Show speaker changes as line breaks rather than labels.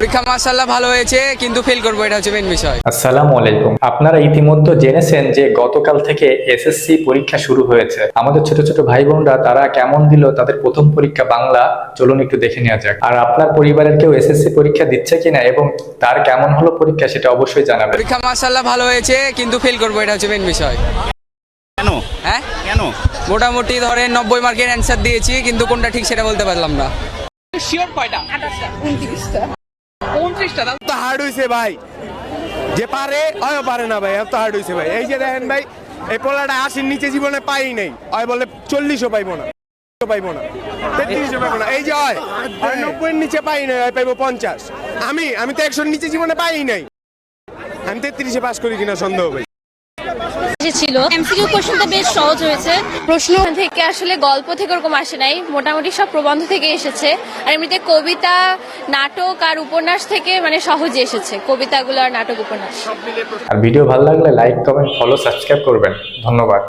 পরীক্ষা মাশাআল্লাহ ভালো হয়েছে, কিন্তু ফেল করবো, এটা হচ্ছে মেন বিষয়।
আসসালামু আলাইকুম। আপনারা ইতিমধ্যে জেনেছেন যে গতকাল থেকে এসএসসি পরীক্ষা শুরু হয়েছে। আমাদের ছোট ছোট ভাই বোনরা তারা কেমন দিল তাদের প্রথম পরীক্ষা বাংলা, চলুন একটু দেখে নেওয়া যাক। আর আপনার পরিবারের কেউ এসএসসি পরীক্ষা দিচ্ছে কিনা এবং তার কেমন হলো পরীক্ষা সেটা অবশ্যই জানাবেন।
পরীক্ষা মাশাআল্লাহ ভালো হয়েছে, কিন্তু ফেল করবো, এটা হচ্ছে মেন বিষয়।
কেন?
হ্যাঁ
কেন?
মোটামুটি ধরেন 90 মার্কের অ্যান্সার দিয়েছি, কিন্তু কোনটা ঠিক সেটা বলতে পারলাম না।
শিওর কয়টা? 29টা। 29টা দাও তো হার্ড হইছে ভাই। যে পারে অয় পারে না ভাই, এত হার্ড হইছে ভাই। এই যে দেখেন ভাই, এই পোলাটা 80 নিচে জীবনে পাই নাই, অয় বলে 40ও পাইবো না, 33ও পাইবো না। এই যে হয় 90 এর নিচে পাই নাই, হয় পাইবো 50। আমি তো 100 নিচে জীবনে পাই নাই, আমি 33-এ পাস করি কিনা সন্দেহ ভাই।
ছিল এমসিকিউ কোশ্চেনটা বেশ সহজ হয়েছে। প্রশ্ন থেকে আসলে গল্প থেকে ওরকম আসে নাই, মোটামুটি সব প্রবন্ধ থেকে এসেছে। আর এমনিতে কবিতা, নাটক আর উপন্যাস থেকে মানে সহজে এসেছে, কবিতাগুলো আর নাটক উপন্যাস।
আর ভিডিও ভালো লাগলে লাইক, কমেন্ট, ফলো, সাবস্ক্রাইব করবেন। ধন্যবাদ।